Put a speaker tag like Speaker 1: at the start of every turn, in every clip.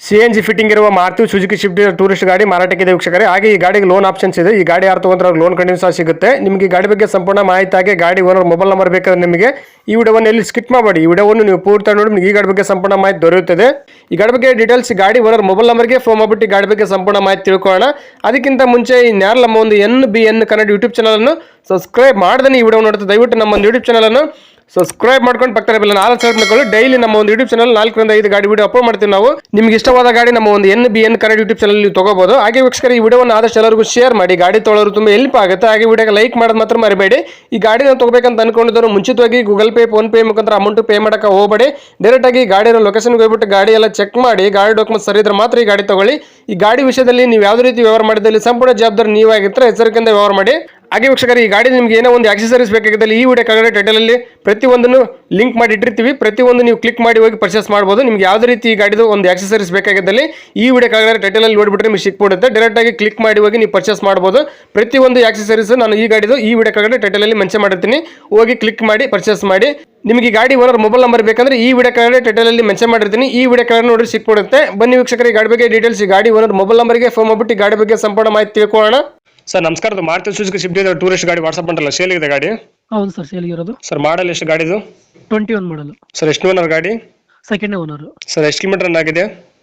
Speaker 1: CNG fitting ಇರುವ Maruti Suzuki Swift tourist ಗಾಡಿ ಮಾರಾಟಕ್ಕಿದೆ ವೀಕ್ಷಕರೇ. ಹಾಗೆ ಈ ಗಾಡಿಗೆ ಲೋನ್ ಆಪ್ಷನ್ಸ್ ಇದೆ. ಈ ಗಾಡಿ ಯಾರು ತಗೊಂಡ್ರೆ ಲೋನ್ ಕಂಟಿನ್ಯೂ ಸಹ ಸಿಗುತ್ತೆ. ನಿಮಗೆ ಈ ಗಾಡಿ ಬಗ್ಗೆ ಸಂಪೂರ್ಣ ಮಾಹಿತಿ ಹಾಗೆ ಗಾಡಿ ಓನರ್ ಮೊಬೈಲ್ ನಂಬರ್ ಬೇಕಾದ್ರೆ ನಿಮಗೆ ಈ ವಿಡಿಯೋವನ್ನು ಎಲ್ಲಿ ಸ್ಕಿಪ್ ಮಾಡಬೇಡಿ. ಈ ವಿಡಿಯೋವನ್ನು ನೀವು ಪೂರ್ತಿ ನೋಡಿ ನಿಮಗೆ ಈ ಗಾಡಿ ಬಗ್ಗೆ ಸಂಪೂರ್ಣ ಮಾಹಿತಿ ದೊರೆಯುತ್ತದೆ. ಈ ಗಾಡಿ ಬಗ್ಗೆ ಡೀಟೇಲ್ಸ್ ಗಾಡಿ ಓನರ್ ಮೊಬೈಲ್ ನಂಬರ್ಗೆ ಫೋನ್ ಮಾಡಿಬಿಟ್ಟು ಈ ಗಾಡಿ ಬಗ್ಗೆ ಸಂಪೂರ್ಣ ಮಾಹಿತಿ ತಿಳ್ಕೊಳ್ಳೋಣ. ಅದಕ್ಕಿಂತ ಮುಂಚೆ ಇನ್ಯಾರು ನಮ್ಮ ಒಂದು NBN ಕನ್ನಡ ಯೂಟ್ಯೂಬ್ ಚಾನಲನ್ನು ಸಬ್ಸ್ಕ್ರೈಬ್ ಮಾಡ್ದೆ ಈ ವಿಡಿಯೋ ನೋಡುತ್ತೆ ದಯವಿಟ್ಟು ನಮ್ಮ ಒಂದು ಯೂಟ್ಯೂಬ್ ಚಾನಲನ್ನು ಸಬ್ಸ್ಕ್ರೈಬ್ ಮಾಡ್ಕೊಂಡು ಪಕ್ಕದ ಬೆಲ್ಲ ನಾಲ್ಕು ಸೆಲೆಕ್ಟ್ ಮಾಡ್ಕೊಳ್ಳಿ. ಡೈಲಿ ನಮ್ಮ ಒಂದು ಯೂಟ್ಯೂಬ್ ಚಾನಲ್ 4 ರಿಂದ 5 ಗಾಡಿ ವಿಡಿಯೋ ಅಪ್ಲೋಡ್ ಮಾಡ್ತೀವಿ ನಾವು. ನಿಮ್ಗೆ ಇಷ್ಟವಾದ ಗಾಡಿ ನಮ್ಮ ಒಂದು NBN ಕನ್ನಡ ಯೂಟ್ಯೂಬ್ ಚಾನಲ್ ನೀವು ತಗೋಬಹುದು. ಹಾಗೆ ವೀಕ್ಷಕರು ಈ ವಿಡಿಯೋವನ್ನು ಆದಷ್ಟು ಎಲ್ಲರಿಗೂ ಶೇರ್ ಮಾಡಿ. ಗಾಡಿ ತೊಗೊಳ್ಳೋರು ತುಂಬ ಹೆಲ್ಪ್ ಆಗುತ್ತೆ. ಹಾಗೆ ವಿಡಿಯೋಗೆ ಲೈಕ್ ಮಾಡೋದು ಮಾತ್ರ ಮರಿಬೇಡಿ. ಈ ಗಾಡಿ ನಾವು ತಗೋಬೇಕಂತ ಅನ್ಕೊಂಡಿದ್ದವರು ಮುಂಚಿತವಾಗಿ ಗೂಗಲ್ ಪೇ ಫೋನ್ ಪೇ ಮುಖಾಂತರ ಅಮೌಂಟ್ ಪೇ ಮಾಡಕ್ಕೆ ಹೋಗಬೇಡಿ. ಡೈರೆಕ್ಟ್ ಆಗಿ ಗಾಡಿ ಲೊಕೇಶನ್ಗೆ ಹೋಗ್ಬಿಟ್ಟು ಗಾಡಿ ಎಲ್ಲ ಚೆಕ್ ಮಾಡಿ ಗಾಡಿ ಡಾಕ್ಯುಮೆಂಟ್ ಸರಿ ಇದ್ರೆ ಮಾತ್ರ ಈ ಗಾಡಿ ತಗೊಳ್ಳಿ. ಈ ಗಾಡಿ ವಿಷಯದಲ್ಲಿ ನೀವು ಯಾವುದೇ ರೀತಿ ವ್ಯವಹಾರ ಮಾಡಿದಲ್ಲಿ ಸಂಪೂರ್ಣ ಜವಾಬ್ದಾರಿ ನೀವಾಗಿರ್ತಾರೆ. ಎಚ್ಚರಿಕೆಯಿಂದ ವ್ಯವಹಾರ ಮಾಡಿ. ಹಾಗೆ ವೀಕ್ಷಕರು ಈ ಗಾಡಿ ನಿಮಗೆ ಏನೋ ಒಂದು ಆಕ್ಸೆಸರೀಸ್ ಬೇಕಾಗಿದ್ದಲ್ಲಿ ಈ ವಿಡಿಯೋ ಕೆಳಗಡೆ ಟೈಟಲಲ್ಲಿ ಪ್ರತಿಯೊಂದನ್ನು ಲಿಂಕ್ ಮಾಡಿ ಇಟ್ಟಿರ್ತೀವಿ. ಪ್ರತಿಯೊಂದು ನೀವು ಕ್ಲಿಕ್ ಮಾಡಿ ಹೋಗಿ ಪರ್ಚೇಸ್ ಮಾಡ್ಬೋದು. ನಿಮ್ಗೆ ಯಾವುದೇ ರೀತಿ ಈ ಗಾಡಿದು ಒಂದು ಆಕ್ಸೆಸರೀಸ್ ಬೇಕಾಗಿದ್ದಲ್ಲಿ ಈ ವಿಡಿಯೋ ಕೆಳಗಡೆ ಟೈಟಲಲ್ಲಿ ನೋಡಿಬಿಟ್ರೆ ನಿಮಗೆ ಸಿಕ್ಬಿಡುತ್ತೆ. ಡೈರೆಕ್ಟ್ ಆಗಿ ಕ್ಲಿಕ್ ಮಾಡಿ ಹೋಗಿ ನೀವು ಪರ್ಚೇಸ್ ಮಾಡ್ಬೋದು. ಪ್ರತಿಯೊಂದು ಆಕ್ಸೆಸರೀಸ್ ನಾನು ಈ ಗಾಡಿದು ಈ ವಿಡಿಯೋ ಕೆಳಗಡೆ ಟೈಟಲಲ್ಲಿ ಮೆನ್ಷನ್ ಮಾಡಿರ್ತೀನಿ. ಹೋಗಿ ಕ್ಲಿಕ್ ಮಾಡಿ ಪರ್ಚೇಸ್ ಮಾಡಿ. ನಿಮಗೆ ಗಾಡಿ ಓನರ್ ಮೊಬೈಲ್ ನಂಬರ್ ಬೇಕಂದ್ರೆ ಈ ವಿಡಿಯೋ ಕೆಳಗಡೆ ಟೈಟಲಲ್ಲಿ ಮೆನ್ಷನ್ ಮಾಡಿರ್ತೀನಿ. ಈ ವಿಡಿಯೋ ಕೆಳಗಡೆ ನೋಡಿ ಸಿಕ್ಬಿಡುತ್ತೆ. ಬನ್ನಿ ವೀಕ್ಷಕರು ಈ ಗಾಡಿ ಬಗ್ಗೆ ಡೀಟೇಲ್ಸ್ ಈ ಗಾಡಿ ಓನರ್ ಮೊಬೈಲ್ ನಂಬರ್ಗೆ ಫೋನ್ ಮಾಡಿಬಿಟ್ಟು ಈ ಗಾಡಿ ಬಗ್ಗೆ ಸಂಪೂರ್ಣ ಮಾಹಿತಿ ತಿಳ್ಕೊಳ್ಳೋಣ. ಸರ್ ನಮಸ್ಕಾರ. ಮಾರುತಿ ಸುಜುಕಿ ಶಿಫ್ಟ್ ಟೂರಿಸ್ಟ್ ಗಾಡಿ ವಾಟ್ಸಪ್ ಮಾಡಲ್ಲ ಸೇಲ್ ಇದೆ ಗಾಡಿ?
Speaker 2: ಹೌದು ಸರ್, ಸೇಲ್ ಇರೋದು.
Speaker 1: ಸರ್ ಮಾಡಲ್ ಎಷ್ಟು ಗಾಡಿದು?
Speaker 2: 21 ಮಾಡಲ್.
Speaker 1: ಸರ್ ಎಷ್ಟು ಓನರ್ ಗಾಡಿ?
Speaker 2: Second owner.
Speaker 1: ಸರ್ ಎಷ್ಟು ಕಿಲೋಮೀಟರ್ ರನ್ ಆಗಿದೆ?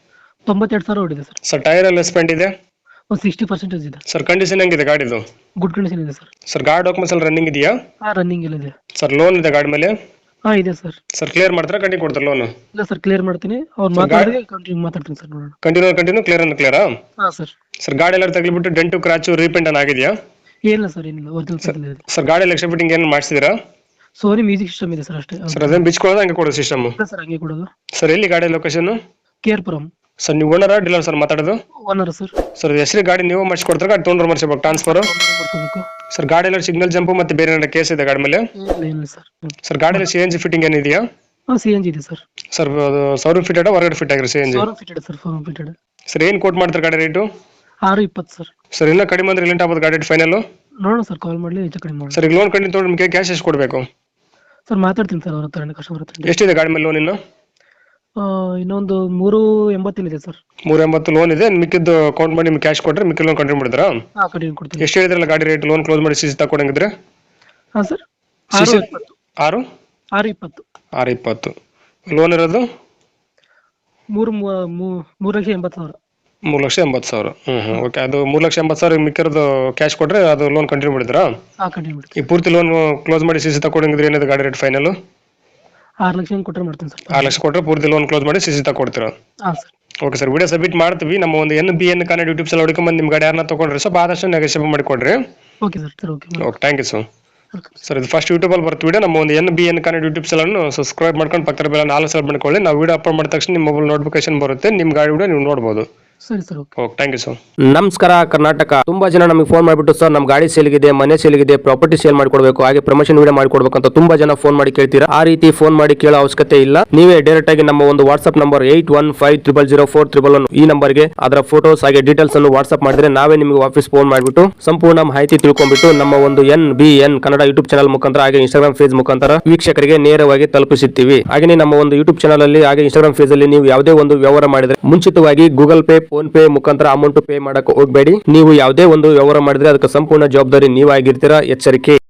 Speaker 2: 92,000 ಓಡಿದೆ ಸರ್.
Speaker 1: ಸರ್ ಟೈರ್ ಎಲ್ಲ ಸ್ಪೆಂಡ್ ಇದೆ?
Speaker 2: ಒಂದು 60% ಇದೆ.
Speaker 1: ಸರ್ ಕಂಡೀಷನ್ ಹೆಂಗಿದೆ ಗಾಡಿದು?
Speaker 2: ಗುಡ್ ಕಂಡೀಷನ್ ಇದೆ ಸರ್.
Speaker 1: ಸರ್ ಗಾಡಿ ಡಾಕ್ಯುಮೆಂಟ್ಸ್ ಎಲ್ಲ ರನ್ನಿಂಗ್ ಇದೆಯಾ?
Speaker 2: ರನ್ನಿಂಗ್ ಇಲ್ಲ ಇದೆ.
Speaker 1: ಸರ್ ಲೋನ್ ಇದೆ ಗಾಡಿ ಮೇಲೆ?
Speaker 2: ಇದೆ ಸರ್.
Speaker 1: ಸರ್ ಕ್ಲಿಯರ್ ಮಾಡ್ತಾರೆ ಕಂಟಿನ್ಯೂ ಕೊಡ್ತಾರೆ ಲೋನ್?
Speaker 2: ಇಲ್ಲ ಸರ್, ಕ್ಲಿಯರ್ ಮಾಡ್ತೀನಿ. ಅವ್ರು ಮಾತಾಡಿದ್ರೆ ಕಂಟಿನ್ಯೂ ಮಾತಾಡ್ತೀನಿ ಸರ್. ನೋಡೋಣ.
Speaker 1: ಕಂಟಿನ್ಯೂ ಕ್ಲಿಯರಾ?
Speaker 2: ಸರ್.
Speaker 1: ಸರ್ ಗಾಡಿ ಎಲ್ಲ ತಗ್ಲಿಬಿಟ್ಟು ಡೆಂಟು ಕ್ರಾಚು ರೀಪೇಂಟ್ ಅನ್ನ ಆಗಿದೆಯಾ?
Speaker 2: ಏನಿಲ್ಲ ಸರ್, ಏನಿಲ್ಲ. ಒರಿಜಿನಲ್ ಇದೆ.
Speaker 1: ಸರ್ ಗಾಡಿ ಎಕ್ಸ್ಟ್ರಾ ಫಿಟ್ಟಿಂಗ್ ಏನು ಮಾಡಿಸಿದಿರಾ?
Speaker 2: ಸೋನಿ ಮ್ಯೂಸಿಕ್ ಸಿಸ್ಟಮ್ ಇದೆ ಸರ್, ಅಷ್ಟೇ.
Speaker 1: ಸರ್ ಅದೇನು ಬಿಚ್ಕೊಳ್ಳೋದು ಹಂಗೆ ಕೊಡೋದು ಸಿಸ್ಟಮ್?
Speaker 2: ಇಲ್ಲ ಸರ್, ಹಂಗೆ ಕೊಡೋದು.
Speaker 1: ಸರ್ ಎಲ್ಲಿ ಗಾಡಿ ಲೊಕೇಶನ್?
Speaker 2: ಕೇರ್ಪುರಂ.
Speaker 1: ಸರ್ ನೀವು ಓನರಾ ಡೀಲರ್ ಸರ್ ಮಾತಾಡೋದು?
Speaker 2: Owner sir.
Speaker 1: ಸರ್ ಹೆಸರು ಗಾಡಿ ನೀವು ಮಾಡಿಸ್ಕೊಡ್ತಾರೆ ಗಾಡಿ ತೊಗೊಂಡ್ರೆ ಮಾಡಿಸ್ಬೇಕು ಟ್ರಾನ್ಸ್ಫರ್? ಸರ್ ಗಾಡಿ ಎಲ್ಲ ಸಿಗ್ನಲ್ ಜಂಪ್ ಮತ್ತೆ ಬೇರೆ ಏನಾರ ಕೇಸ್ ಇದೆ ಗಾಡಿ ಮೇಲೆ?
Speaker 2: ಇಲ್ಲ ಸರ್.
Speaker 1: ಸರ್ ಗಾಡಿ ಎಲ್ಲ CNG ಫಿಟ್ಟಿಂಗ್ ಏನಿದೆಯಾ?
Speaker 2: CNG ಇದೆ ಸರ್.
Speaker 1: ಸರ್ ಸೌರ ಫಿಟೆಡ್ ಹೊರಗಡೆ ಫಿಟ್ ಆಗಿರೋ CNG?
Speaker 2: Fitted sir, fitted.
Speaker 1: Sir ಏನು ಕೋಟ್ ಮಾಡ್ತಾರೆ ಗಾಡಿ ರೇಟು?
Speaker 2: 620 ಸರ್.
Speaker 1: ಸರ್ ಇನ್ನೂ ಕಡಿಮೆ ಅಂದ್ರೆ ಲೇಟ್ ಆಗ್ಬೋದು ಗಾಡಿ ಫೈನಲ್?
Speaker 2: ನೋಡೋಣ ಸರ್, ಕಾಲ್ ಮಾಡಲಿ ಹೆಚ್ಚು ಕಡಿಮೆ ಮಾಡಿ.
Speaker 1: ಸರ್ ಈಗ ಲೋನ್ ಕಂಟಿನ್ಯೂ ತೊಗೊಂಡು ನಿಮಗೆ ಕ್ಯಾಶ್ ಎಷ್ಟು ಕೊಡಬೇಕು?
Speaker 2: ಸರ್ ಮಾತಾಡ್ತೀನಿ ಸರ್ ಅವ್ರ ಹತ್ರ, ಕಸ್ಟಮರ್ ಹತ್ರ.
Speaker 1: ಎಷ್ಟಿದೆ ಗಾಡಿ ಮೇಲೆ ಲೋನ್ ಇನ್ನು?
Speaker 2: ಇನ್ನೊಂದು 380 ಇದೆ ಸರ್.
Speaker 1: 380 ಲೋನ್ ಇದೆ. ಮಿಕ್ಕಿದ್ದು ಕೌಂಟ್ ಮಾಡಿ ನಿಮ್ಗೆ ಕ್ಯಾಶ್ ಕೊಟ್ಟರೆ ಮಿಕ್ಕಿ ಲೋನ್ ಕಂಟಿನ್ಯೂ ಮಾಡಿದ್ರಾ?
Speaker 2: ಕಂಟಿನ್ಯೂ ಕೊಡ್ತೀನಿ.
Speaker 1: ಎಷ್ಟು ಹೇಳಿದ್ರಲ್ಲ ಗಾಡಿ ರೇಟ್ ಲೋನ್ ಕ್ಲೋಸ್ ಮಾಡಿ CC ತಗೊಂಡಿದ್ರೆ?
Speaker 2: ಸರ್
Speaker 1: 620 ಲೋನ್ ಇರೋದು?
Speaker 2: 3,80,000.
Speaker 1: 3,80,000. ಓಕೆ. ಅದು 3,80,000 ಮಿಕ್ಕಿರೋದು ಕ್ಯಾಶ್ ಕೊಟ್ಟರೆ ಅದು ಲೋನ್ ಕಂಟಿನ್ಯೂ ಮಾಡಿದ್ರಾ?
Speaker 2: ಕಂಟಿನ್ಯೂ ಮಾಡಿ.
Speaker 1: ಈ ಪೂರ್ತಿ ಲೋನ್ ಕ್ಲೋಸ್ ಮಾಡಿ CC ತಗೊಂಡಿದ್ರೆ ಏನಿದೆ ಗಾಡಿ ರೇಟ್ ಫೈನಲ್?
Speaker 2: 6 ಲಕ್ಷ ಕೊಟ್ಟರೆ ಮಾಡ್ತೀನಿ ಸರ್.
Speaker 1: 6 ಲಕ್ಷ ಕೊಟ್ಟರೆ ಪೂರ್ತಿ ಲೋನ್ ಕ್ಲೋಸ್ ಮಾಡಿ CC ತಗೊಡ್ತೀರಾ?
Speaker 2: Sir.
Speaker 1: Okay sir, video submit ಮಾಡ್ತೀವಿ. ನಮ್ಮ ಒಂದು NBN ಕನ್ನಡ ಯೂಟ್ಯೂಬ್ ಚಾನಲ್ ಹುಡುಕೊಂಬಂದು ನಿಮ್ಮ ಗಾಡಿ ಯಾರನ್ನ ತೊಗೊಂಡ್ರೆ ಸ್ವಲ್ಪ ಆದಷ್ಟು ನೆಗೋಷಿಯೇಟ್ ಮಾಡಿಕೊಡ್ರಿ.
Speaker 2: Okay sir.
Speaker 1: Okay, thank you sir. Sir ಇದು ಫಸ್ಟ್ ಯೂಟ್ಯೂಬಲ್ಲಿ ಬರ್ತೀವಿ ವಿಡಿಯೋ. ನಮ್ಮ ಒಂದು NBN ಕನ್ನಡ ಯೂಟ್ಯೂಬ್ ಚಾನಲ್ನ ಸಬ್ಸ್ಕ್ರೈಬ್ ಮಾಡ್ಕೊಂಡು ಪಕ್ಕದ ಬೆಲ್ಲ 4 ಸಲ ಮಾಡ್ಕೊಳ್ಳಿ. ನಾವು ವಿಡಿಯೋ ಅಪ್ಲೋಡ್ ಮಾಡಿದ ತಕ್ಷಣ ನಿಮ್ಮ ಮೊಬೈಲ್ ನೋಟಿಫಿಕೇಶನ್ ಬರುತ್ತೆ. ನಿಮ್ಮ ಗಾಡಿ ವಿಡಿಯೋ ನೀವು ನೋಡ್ಬೋದು.
Speaker 2: ಸರಿ sir.
Speaker 1: Okay, thank you sir.
Speaker 3: ನಮಸ್ಕಾರ ಕರ್ನಾಟಕ. ತುಂಬಾ ಜನ ನಮಗೆ ಫೋನ್ ಮಾಡಿಬಿಟ್ಟು ಸರ್ ನಮ್ಮ ಗಾಡಿ ಸೇಲ್ಗಿದೆ, ಮನೆ ಸೇಲ್ಗಿದೆ, ಪ್ರಾಪರ್ಟಿ ಸೇಲ್ ಮಾಡಿಕೊಡ್ಬೇಕು, ಹಾಗೆ ಪ್ರಮೋಷನ್ ವಿಡಿಯೋ ಮಾಡಿಕೊಡ್ಬೇಕು ಅಂತ ತುಂಬಾ ಜನ ಫೋನ್ ಮಾಡಿ ಕೇಳ್ತೀರಾ. ಆ ರೀತಿ ಫೋನ್ ಮಾಡಿ ಕೇಳೋ ಅವಶ್ಯಕತೆ ಇಲ್ಲ. ನೀವೇ ಡೈರೆಕ್ಟ್ ಆಗಿ ನಮ್ಮ ಒಂದು ವಾಟ್ಸ್ಆಪ್ ನಂಬರ್ 81500411 ಈ ನಂಬರ್ಗೆ ಅದರ ಫೋಟೋಸ್ ಹಾಗೆ ಡೀಟೇಲ್ಸ್ ಅನ್ನು ವಾಟ್ಸ್ಆಪ್ ಮಾಡಿದ್ರೆ ನಾವೇ ನಿಮಗೆ ವಾಪಸ್ ಫೋನ್ ಮಾಡಿಬಿಟ್ಟು ಸಂಪೂರ್ಣ ಮಾಹಿತಿ ತಿಳ್ಕೊಂಡ್ಬಿಟ್ಟು ನಮ್ಮ ಒಂದು NBN ಕನ್ನಡ ಯೂಟ್ಯೂಬ್ ಚಾನಲ್ ಮುಖಾಂತರ ಹಾಗೆ ಇನ್ಸ್ಟಾಗ್ರಾಮ್ ಪೇಜ್ ಮುಖಾಂತರ ವೀಕ್ಷಕರಿಗೆ ನೇರವಾಗಿ ತಲುಪಿಸುತ್ತೀವಿ. ಹಾಗೆ ನಮ್ಮ ಒಂದು ಯೂಟ್ಯೂಬ್ ಚಾನಲ್ ಅಲ್ಲಿ ಹಾಗೆ ಇನ್ಸ್ಟಾಗ್ರಾಮ್ ಪೇಜ್ ಅಲ್ಲಿ ನೀವು ಯಾವುದೇ ಒಂದು ವ್ಯವಹಾರ ಮಾಡಿದ್ರೆ ಮುಂಚಿತವಾಗಿ ಗೂಗಲ್ ಪೇ ಫೋನ್ ಪೇ ಮುಖಾಂತರ ಅಮೌಂಟ್ ಪೇ ಮಾಡಕ್ಕೆ ಹೋಗಬೇಡಿ. ನೀವು ಯಾವುದೇ ಒಂದು ವ್ಯವಹಾರ ಮಾಡಿದ್ರೆ ಅದಕ್ಕೆ ಸಂಪೂರ್ಣ ಜವಾಬ್ದಾರಿ ನೀವಾಗಿರ್ತೀರಾ. ಎಚ್ಚರಿಕೆ.